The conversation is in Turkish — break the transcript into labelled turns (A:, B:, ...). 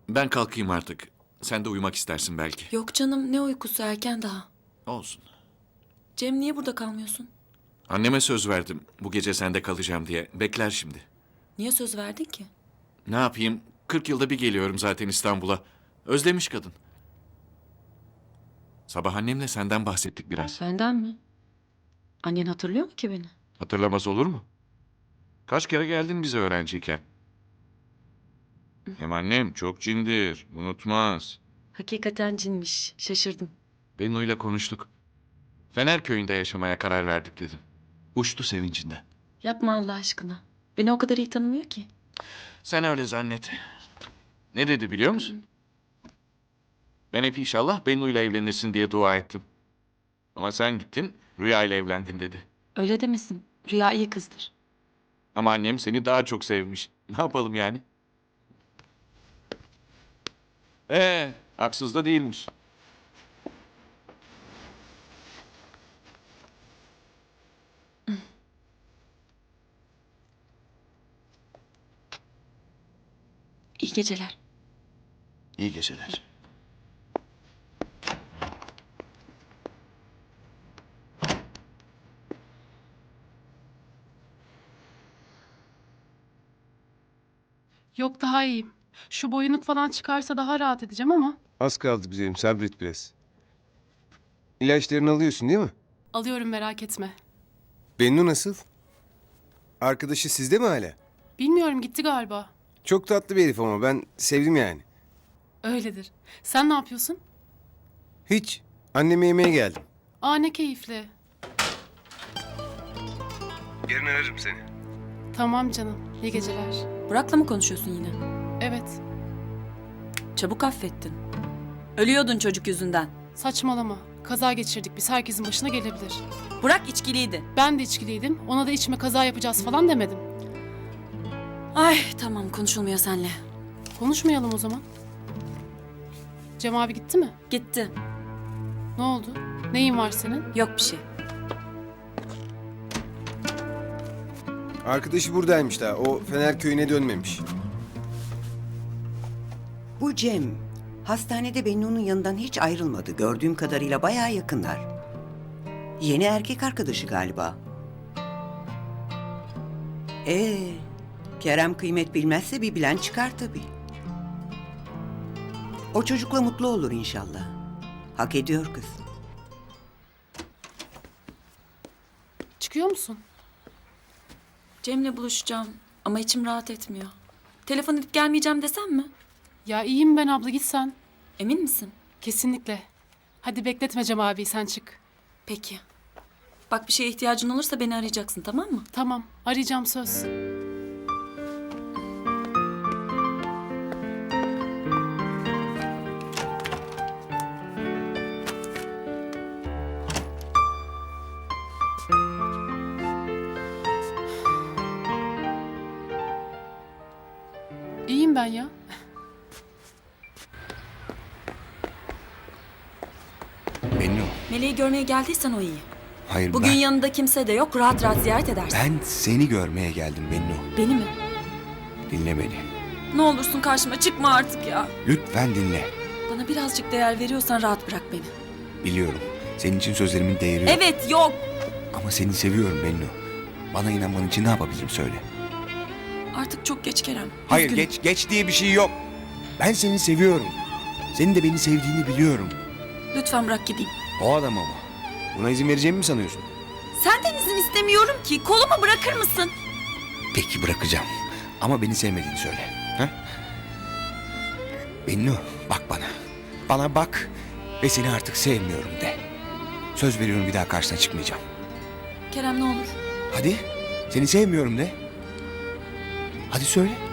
A: Ben kalkayım artık. Sen de uyumak istersin belki.
B: Yok canım, ne uykusu, erken daha.
A: Olsun.
B: Cem, niye burada kalmıyorsun?
A: Anneme söz verdim bu gece sende kalacağım diye. Bekler şimdi.
B: Niye söz verdin ki?
A: Ne yapayım? 40 yılda bir geliyorum zaten İstanbul'a. Özlemiş kadın. Sabah annemle senden bahsettik biraz.
B: Benden mi? Annen hatırlıyor mu ki beni?
A: Hatırlamaz olur mu? Kaç kere geldin bize öğrenciyken. Hem annem çok cindir, unutmaz.
B: Hakikaten cinmiş, şaşırdım.
A: Bennu'yla konuştuk. Fener köyünde yaşamaya karar verdik dedim. Uçtu sevincinden.
B: Yapma Allah aşkına. Beni o kadar iyi tanımıyor ki.
A: Sen öyle zannet. Ne dedi biliyor musun? Ben hep inşallah Bennu'yla evlenirsin diye dua ettim. Ama sen gittin, Rüya ile evlendin dedi.
B: Öyle demesin. Rüya iyi kızdır.
A: Ama annem seni daha çok sevmiş. Ne yapalım yani? Haksız da değilmiş.
B: İyi geceler.
A: İyi geceler.
C: Yok daha iyiyim. Şu boyunluk falan çıkarsa daha rahat edeceğim ama.
D: Az kaldı güzelim, sabret biraz. İlaçlarını alıyorsun değil mi?
C: Alıyorum merak etme.
D: Bennu nasıl? Arkadaşı sizde mi hala?
C: Bilmiyorum gitti galiba.
D: Çok tatlı bir herif ama ben sevdim yani.
C: Öyledir. Sen ne yapıyorsun?
D: Hiç. Anneme yemeğe geldim.
C: Aa ne keyifli.
D: Yarın ararım seni.
C: Tamam canım. İyi geceler.
B: Burak'la mı konuşuyorsun yine?
C: Evet.
B: Çabuk affettin. Ölüyordun çocuk yüzünden.
C: Saçmalama. Kaza geçirdik biz. Herkesin başına gelebilir.
B: Burak içkiliydi.
C: Ben de içkiliydim. Ona da içme kaza yapacağız falan demedim.
B: Ay tamam, konuşulmuyor seninle.
C: Konuşmayalım o zaman. Cem abi gitti mi?
B: Gitti.
C: Ne oldu? Neyin var senin?
B: Yok bir şey.
D: Arkadaşı buradaymış daha. O Fener köyüne dönmemiş.
E: Bu Cem, hastanede Bennu'nun yanından hiç ayrılmadı. Gördüğüm kadarıyla bayağı yakınlar. Yeni erkek arkadaşı galiba. Kerem kıymet bilmezse bir bilen çıkar tabii. O çocukla mutlu olur inşallah. Hak ediyor kız.
C: Çıkıyor musun?
B: Cem'le buluşacağım ama içim rahat etmiyor. Telefon edip gelmeyeceğim desem mi?
C: Ya iyiyim ben abla git sen.
B: Emin misin?
C: Kesinlikle. Hadi bekletme Cem abi sen çık.
B: Peki. Bak, bir şeye ihtiyacın olursa beni arayacaksın, tamam mı?
C: Tamam arayacağım söz. İyiyim ben ya.
F: Bennu,
B: Meleği görmeye geldiysen o iyi.
F: hayır
B: Bugün
F: ben,
B: yanında kimse de yok, rahat rahat ziyaret edersin.
F: ben seni görmeye geldim Bennu.
B: Beni mi?
F: Dinle beni.
B: Ne olursun karşıma çıkma artık ya.
F: Lütfen dinle.
B: Bana birazcık değer veriyorsan rahat bırak beni.
F: Biliyorum, senin için sözlerimin değeri yok.
B: Evet, yok.
F: Ama seni seviyorum Bennu. Bana inanman için ne yapabilirim söyle.
B: Artık çok geç Kerem.
F: Hayır,
B: Üzgünüm.
F: geç diye bir şey yok. Ben seni seviyorum. Senin de beni sevdiğini biliyorum.
B: Lütfen bırak gideyim.
F: O adam ama.
D: Buna izin vereceğimi mi sanıyorsun?
B: Senden izin istemiyorum ki. Kolumu bırakır mısın?
F: Peki bırakacağım. Ama beni sevmediğini söyle. Ha? Bennu, bak bana. Bana bak ve seni artık sevmiyorum de. Söz veriyorum bir daha karşına çıkmayacağım.
B: Kerem, ne olur.
F: Hadi, seni sevmiyorum de. Hadi söyle.